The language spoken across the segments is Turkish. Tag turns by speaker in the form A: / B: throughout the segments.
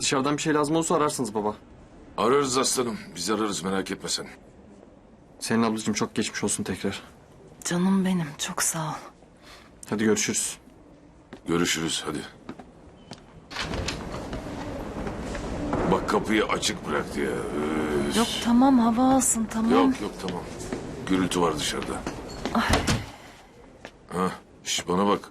A: Dışarıdan bir şey lazım olursa ararsınız baba.
B: Ararız aslanım. Biz ararız, merak etme sen.
A: Senin ablacığım çok geçmiş olsun tekrar.
C: Canım benim, çok sağ ol.
A: Hadi görüşürüz.
B: Görüşürüz hadi. Bak kapıyı açık bıraktı ya. Üf.
C: Yok tamam, hava alsın tamam.
B: Yok tamam. Gürültü var dışarıda. Ha, bana bak.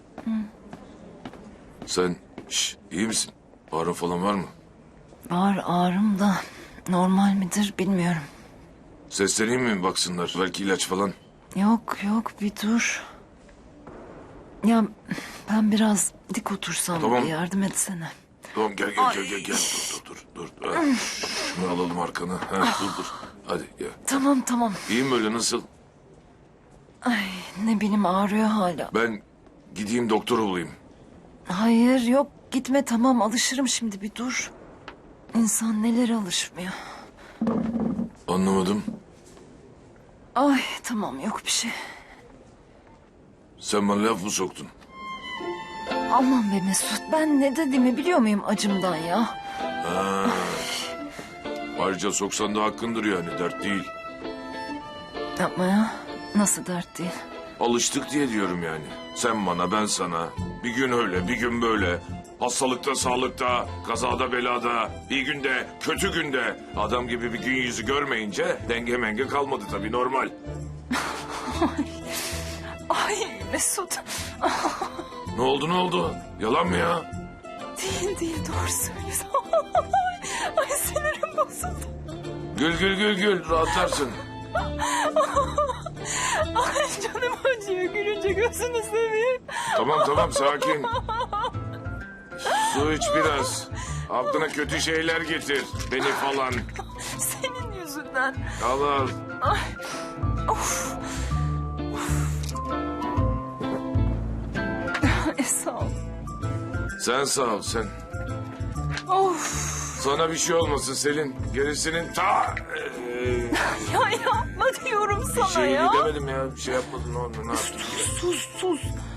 B: Sen iyi misin? Ağrın falan var mı?
C: Var ağrım da normal midir bilmiyorum.
B: Sesleneyim mi baksınlar? Belki ilaç falan.
C: Yok bir dur. Ya ben biraz dik otursam
B: Tamam.
C: bir yardım etsene.
B: Tamam gel. Dur. Ha, şunu alalım arkana. Ha, dur. Hadi gel.
C: Tamam.
B: İyiyim böyle nasıl?
C: Ay ne bileyim ağrıyor hala.
B: Ben gideyim doktoru bulayım.
C: Hayır yok gitme tamam alışırım şimdi bir dur. İnsan nelere alışmıyor.
B: Anlamadım.
C: Ay tamam yok bir şey.
B: Sen bana laf mı soktun?
C: Aman be Mesut ben ne dediğimi biliyor muyum acımdan ya?
B: Ha. Ayrıca soksan da hakkındır yani, dert değil.
C: Yapma ya. Nasıl dert değil?
B: Alıştık diye diyorum yani. Sen bana, ben sana. Bir gün öyle, bir gün böyle. Hastalıkta, sağlıkta, kazada, belada, iyi günde, kötü günde. Adam gibi bir gün yüzü görmeyince denge menge kalmadı tabii, normal.
C: Ay Mesut.
B: Ne oldu? Yalan mı ya?
C: Değil doğru söylüyorsun. Ay sinirim bozuldu.
B: Gül, rahatlarsın.
C: Ay canım acıyor gülünce gözünü seveyim.
B: Tamam, sakin. Su iç biraz. Aklına kötü şeyler getir. Beni falan.
C: Senin yüzünden.
B: Al.
C: Sağ ol.
B: Sen sağ ol sen.
C: Of.
B: Sana bir şey olmasın Selin. Gerisinin
C: Ya yapma diyorum sana
B: şey
C: ya.
B: demedim ya. Bir şey yapmadın, ne oldu, ne yaptın?
C: Sus.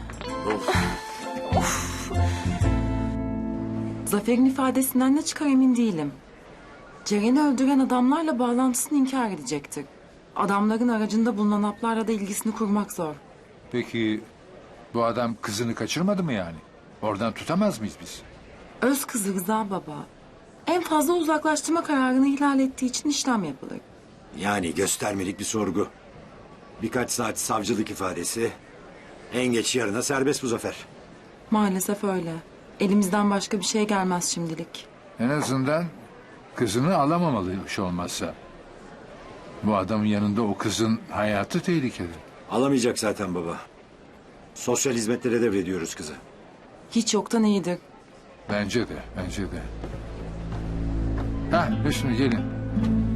B: Of.
D: Zafer'in ifadesinden ne çıkar emin değilim. Ceren'i öldüren adamlarla bağlantısını inkar edecektir. Adamların aracında bulunan haplarla da ilgisini kurmak zor.
E: Peki bu adam kızını kaçırmadı mı yani? Oradan tutamaz mıyız biz?
D: Öz kızı Rıza baba. En fazla uzaklaştırma kararını ihlal ettiği için işlem yapılır.
F: Yani göstermelik bir sorgu. Birkaç saat savcılık ifadesi. En geç yarına serbest bu Zafer.
D: Maalesef öyle. Elimizden başka bir şey gelmez şimdilik.
E: En azından kızını alamamalıymış olmazsa. Bu adamın yanında o kızın hayatı tehlikede.
F: Alamayacak zaten baba. Sosyal hizmetlere devrediyoruz kızı.
D: Hiç yoktan iyidir.
E: Bence de. Ha Hüsnü gelin.